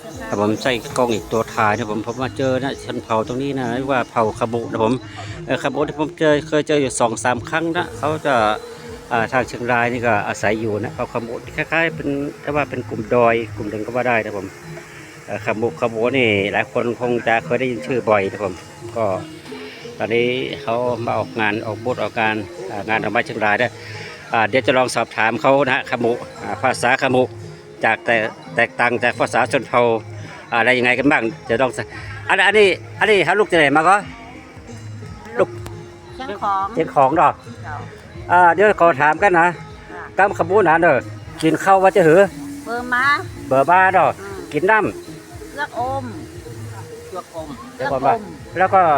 แต่ผมใส่กล้องอีกตัวถ่ายนะผมมาเจอนะชนเผ่าตรงนี้นะเรียกว่าเผ่าคาบุนะผมคาบุที่ผมเคยเจออยู่2-3 ครั้งนะเขาจะทางเชียงรายนี่ก็อาศัยอยู่นะเผ่าคาบุคล้ายๆเป็นถ้าว่าเป็นกลุ่มดอยกลุ่มหนึ่งก็ว่าได้นะผมคาบุนี่หลายคนคงจะเคยได้ยินชื่อบ่อยนะผมก็ตอนนี้เขามาออกงานออกบูธออกงานดอกไม้เชียงรายได้เดี๋ยวจะลองสอบถามเขานะคาบุภาษาคาบุจากแตกต่างจากภาษาชนเผ่าอะไรยังไงกันบ้างจะต้องอันนี้ฮะลูกจะไหนมาก็ลูกเชียงของเชียงของดอกเดี๋ยวขอถามกันนะกำขบูนานเด้อกินข้าวว่าจะหือเบอร์มาเบอร์บ้าดอกกินน้ำเลือกอมเลือกอมแล้วก็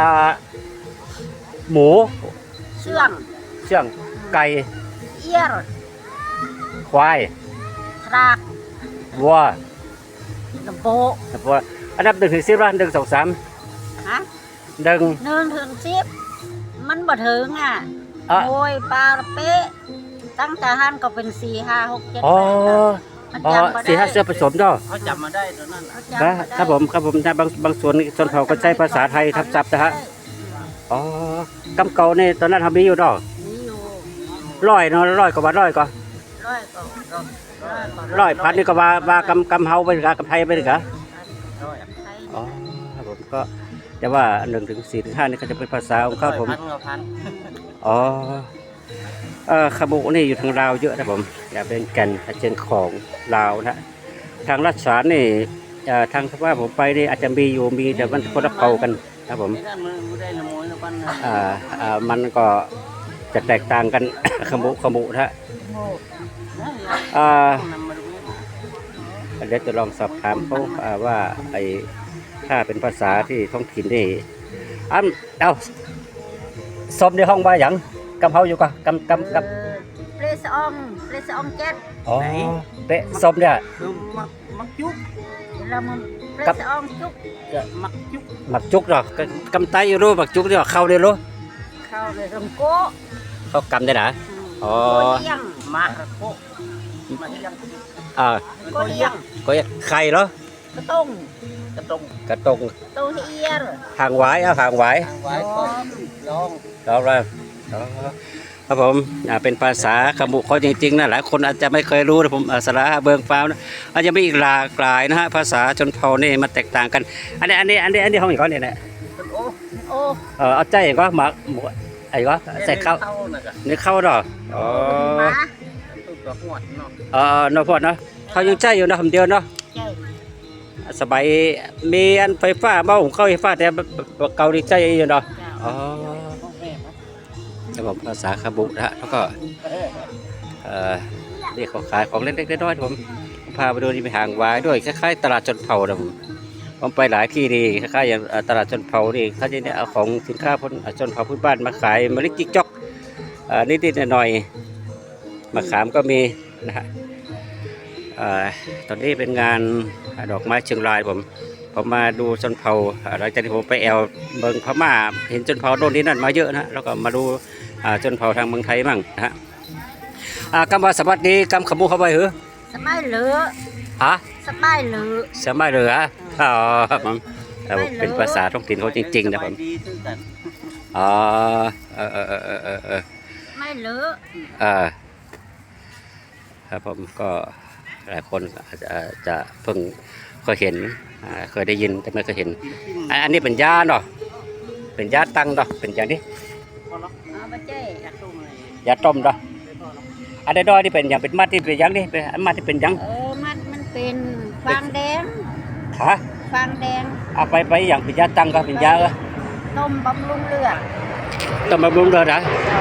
หมูเชื่องไก่เอี้ยรควายทรากวัวลำโพอันดับ1 ถึง 10ละ1 2 3 ฮะ1 ถึง 10มันบ่ถึงโอ้ยปลาเป๊ะตั้งแต่หันก็เป็น4 5 6 7 8มันจำมาได้ 4 5เสื้อผสมด้วยเขาจำมาได้ตอนนั้นครับผมนะบางส่วนชนเผ่าก็ใช้ภาษาไทยทับศัพท์นะฮะกำเก่านี่ตอนนั้นทำมีอยู่ดอกมีอยู่ร้อยกว่าพันนี่ก็ว่ากำเฮาไปกับกำไทยไปหรือครับผมก็แต่ว่า1 ถึง 4 ถึง 5นี่ก็จะเป็นภาษาของเขาผมขบุนี่อยู่ทางลาวเยอะนะผมอย่าเป็นแก่นเจนของลาวนะทางรัชฉานนี่ทางว่าผมไปนี่อาจจะมีแต่มันคนละเผ่ากันครับผมมันก็จะแตกต่างกันขบุนะเดี๋ยวจะลองสอบถามเขาว่าถ้าเป็นภาษาที่ท้องถิ่นนี่สมในห้องว่าอย่างกำเฮาอยู่กำเปรสองเจ็ดเปะสมเนี่ยมักจุกแล้วมันเปรสองจุกมักจุกหรอกำไตอยู่รู้มักจุกเนี่ยเข้าเลยรู้เข้าเลยลำโก้เขากำได้หรอยังมาโก้ก็ยังไข่เหรอกระต้งตัวเอียรห่างไว้ห่างไว้ลองเลยครับผมเป็นภาษาขมุเขาจริงๆนะหลายคนอาจจะไม่เคยรู้นะผมสาระเบิงฟ้านะอาจจะมีอีกหลากหลายนะฮะภาษาชนเผ่านี่มันแตกต่างกันอันนี้ห้องอีกก้อนเนี่ยเอาใจก็หมักหมูไอ้ก็ใส่ข้าวนี่ข้าวดอกนอพอดเนาะเขายังใจอยู่นะคำเดียวเนาะสบายมีอันไฟฟ้าบ้าของเขาไฟฟ้าแต่เกาหลีใจอยู่เนาะจะบอกภาษาคาบุนะแล้วก็เรียกของขายของเล็กๆน้อยๆผมพาไปดูที่ไปห่างวายด้วยคล้ายๆตลาดชนเผ่านะผมไปหลายที่ดีคล้ายๆอย่างตลาดชนเผ่านี่เขาจะเนี่ยเอาของสินค้าชนเผ่าพื้นบ้านมาขายมาลิกจิกจอกนิดๆหน่อยๆมาขามก็มีนะฮะตอนนี้เป็นงานดอกไม้เชียงรายผมมาดูชนเผ่าหลังจากที่ผมไปเมืองพม่าเห็นชนเผ่าโน่นนี่นั่นมาเยอะนะแล้วก็มาดูชนเผ่าทางเมืองไทยมั่งนะฮะกำว่าสวัสดีกำขมูเข้าไปเหรอสบายเหลือสบายเหลือผมเป็นภาษาท้องถิ่นเขาจริงๆนะผมไม่เหลือครับผมก็หลายคนอาจจะเพิ่งเคยเห็นเคยได้ยินแต่ไม่เคยเห็นอันนี้เป็นยาเนาะเป็นยาตั้งเนาะเป็นอย่างนี้ยาต้มเนาะอันนี้ดอยที่เป็นอย่างเป็นมัดที่เป็นอย่างนี้เป็นมัดที่เป็นอย่างมัดมันเป็นฟางแดงฟางแดงเอาไปอย่างเป็นยาตั้งก็เป็นยาต้มบำรุงเลือดนะ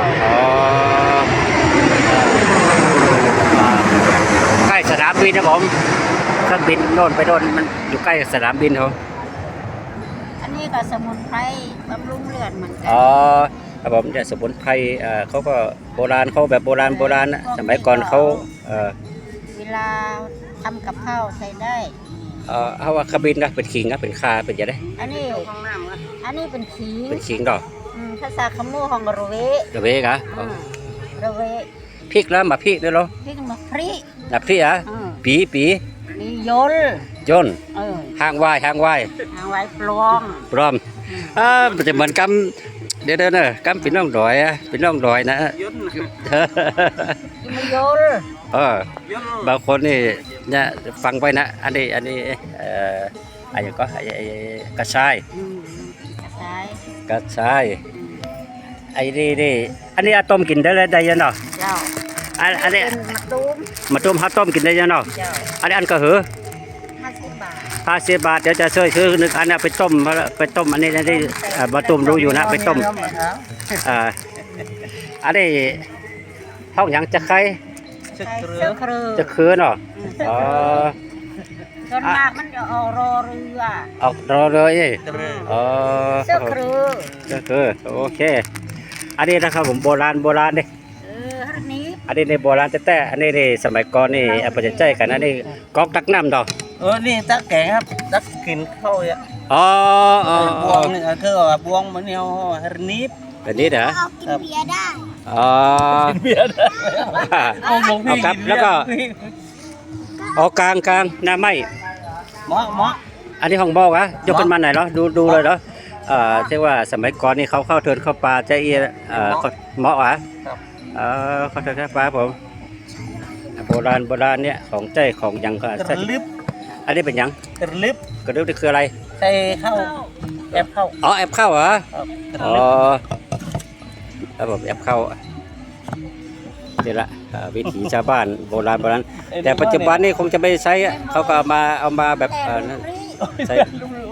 ใกล้สนามบินนะผมเครื่องบินโน่นไปโน่นมันอยู่ใกล้สนามบินเขาอันนี้ก็สมุนไพรบำรุงเลือดเหมือนกันครับผมเนี่ยสมุนไพรเขาก็โบราณเขาแบบโบราณนะสมัยก่อนเขาเวลาทำกับข้าวใส่ได้เอาว่าขบินนะเป็นขิงนะเป็นคาเป็นยังไงอันนี้เป็นขิงดอกภาษาขมูของระเวกะระเวพริกแล้วมาพริกด้วยเหรอพริกมาพริกพริกปีมียนยน ห้างไหวายทางไว้ปลวงพร้อมมันจะเหมือนกำเดี๋ยวเนอะกำเป็นร่องรอยอะเป็นร่องรอยนะยนต์มียนยนต์บางคนนี่เนี่ยฟังไปนะอันนี้อะไรก็กระชายใช่กระชายไอ้นี่อันนี้ต้มกินได้ได้ยังเนาะเจ้าอันนี้เป็นมะตูมมาต้มกินได้ยังเนาะเจ้าอันก็หือ 50 บาท 50 บาทเดี๋ยวจะช่วยซื้อนึกอันนี้ไปต้มอันนี้มาต้มรู้อยู่นะไปต้มอันนี้ห้องหยังจะใครเชือกใส่เรือเสื้อครือจะคือเนาะอ๋อส่วนมากมันจะเอารอเรือออกรอเลยเรืออ๋อเสื้อครือก็คือโอเคอันนี้นะครับผมโบราณนี่ฮันนี้อันนี้ในโบราณแต่อันนี้ในสมัยก่อนนี่เอาไปใจกันอันนี้ก๊อกตักน้ำดอกนี่ตักแกงครับตักกินข้าวอ่ะอ๋อบวงนี่คือว่าบวงมันเนี่ยฮานิบแบบนี้เหรอเอากินเบียร์ได้อ๋อเบียร์ได้เอาลงพี่ครับแล้วก็อ๋อกลางหน้าไม้หมออันนี้ห้องบอกอะยกขึ้นมาไหนอยเหรอดูเลยเหรอที่ว่าสมัยก่อนนี่เขาเข้าเทินเข้าป่าใจเอียเหมาะอะเข้าเทินเข้าป่าผมโบราณเนี่ยของใจของหยังก็กระลึบอันนี้เป็นหยังกระลึบกระดูกนี่คืออะไรใส่ข้าวแอบข้าวอ๋อแอบเข้าเหรอกระอ๋อลึบครับผมแอบเข้านี่ละวิถีชาวบ้านโบราณแต่ปัจจุบันนี่คงจะไม่ใช้อะเขาก็เอามาแบบนั่นใช้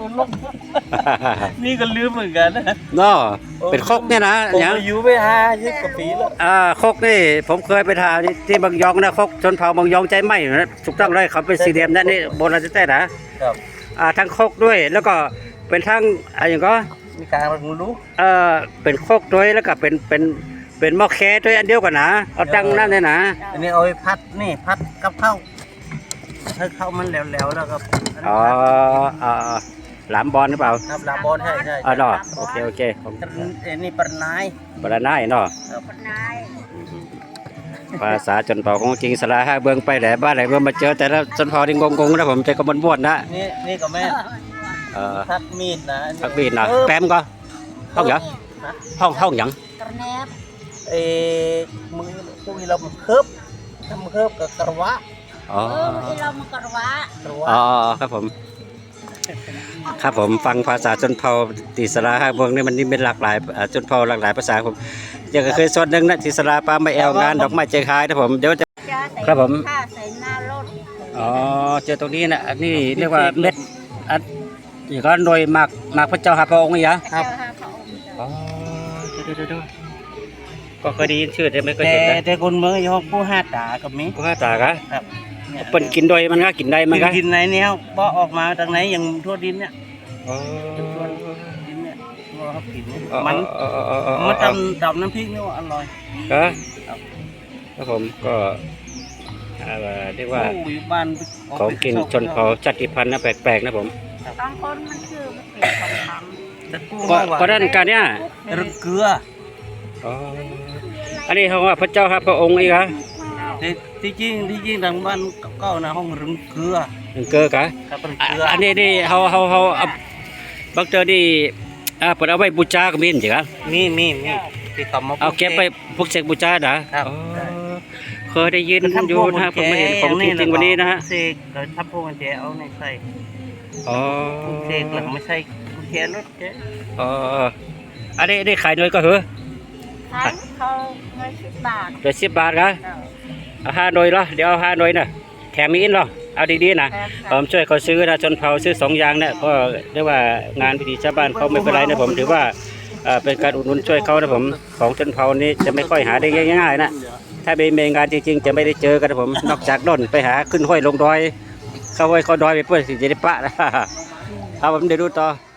นี่ก็ลืมเหมือนกันนะเนาะเป็นครกเนี่ยนะผมอย่างอายุไป50 กว่าปีแล้วครกนี่ผมเคยไปทานที่บางยองนะครกชนเผ่าบางยองใจไหมนะถูกต้องเลยเขาเป็นสี่เหลี่ยมนั่นนี่โบราณแท้ๆนะครับ ทั้งครกด้วยแล้วก็เป็นทั้งอะไรอย่างก็มีการรู้เป็นครกด้วยแล้วก็เป็นหม้อแคด้วยอันเดียวกันนะเอาตั้งนั่นเลยนะอันนี้เอาไปพัดนี่พัดกับข้าวให้ข้าวมันแหลวๆแล้วก็อ๋อหลามบอลหรือเปล่าครับลาบอนใช่อ๋อเนาะโอเคผมอันนี้ปลาไนายบรณายเนาะคนนายภาษาชนเผ่าของจริงสลาห้าเบืองไปแหละบ้านไหนเบืองมาเจอแต่ละชนเผ่าที่งงๆนะผมใจก็ม่วนๆนะนี่ก็แม่ พักมีดนะพักบีนนะแปมก็ห้องหยังห้องหยังกระแนบเอ้มือคุยเราเคิบทำเคิบกับกระวะอ๋อที่เรามากระวะกระวะอ๋อครับผมครับผมฟังภาษาชนเผ่าติสลาห้าเบืองนี่มันนี่เป็นหลากหลายชนเผ่าหลากหลายภาษาผมยังเคยส่วนหนึ่งนะติสลาปลาไม่แอวงานดอกไม้ใจคายนะผมเดี๋ยวจะ ครับผมผ้าใส่หน้ารถอ๋อเจอตรงนี้นะอันนี้เรียกว่าเม็ดอันอย่างก็โดยหมากพระเจ้าหาพระองค์นี่เหรอครับพระองค์อ๋อเดี๋ยวก็เคยได้ยินชื่อแต่ไม่เคยแต่เห็นนะแต่คนเมืองยกผู้ห้าตากับมีกูห้าตากะครับเปิ้นกินโดยมันก็กินได้มันก็กินไหนเนี่ยบ่ออกมาทางไหนอย่างทั่วดินเนี่ยอ๋อดินเนี่ยบ่เขากินเนี่ยอ๋อมันอ๋อมันตำน้ำพริกนี่ว่าอร่อยครับผมก็เรียกว่าโอ้อยู่บ้านของกินชนเผ่าชาติพันธุ์นะแปลกๆนะผมบางคนมันคือมันเป็นของคำแต่กู้ก็ด้านการเนี่ยเกลืออ๋ออันนี้เขาว่าพระเจ้าหาพระองค์อีกเหรอแต่ที่จริงทางบ้านเก่านะห้องรึงเกลือนึงเกลือกะครับเป็นเกลืออันนี้นี่เขาเอาบางเจอนี่เปิดเอาไว้บูชาก็มีจริงอ่ะมีที่เขามาเอาเก็บไปพวกเสกบูชาเหรอครับอ๋อเคยได้ยินอยู่นะผมไม่เห็นของจริงๆวันนี้นะฮะเสกโดยทับพวกกุญแจเอาในใส่อ๋อเสกหลังไม่ใช่กุญแจรถเจ๊อ๋ออันนี้ขายหน่วยก็เหรอขายเขาเงิน10 บาทเดี๋ยว10 บาทครับเอา5หน่วยเหรอเดี๋ยวเอา5หน่วยนะแถมมีอินเหรอเอาดีๆนะผมช่วยเขาซื้อนะชนเผ่าซื้อ2อย่างเนี่ยก็เรียกว่างานพิธีชาวบ้านเขาไม่เป็นไรนะผมถือว่าเป็นการอุดหนุนช่วยเขานะผมของชนเผ่านี้จะไม่ค่อยหาได้ง่ายๆนะถ้าเป็นงานจริงๆจะไม่ได้เจอกันนะผมนอกจากด้นไปหาขึ้นห้อยลงดอยเข้าห้อยเขาดอยไปเพื่อสิจะได้ปะนะเอาผมเดี๋ยวดูต่อ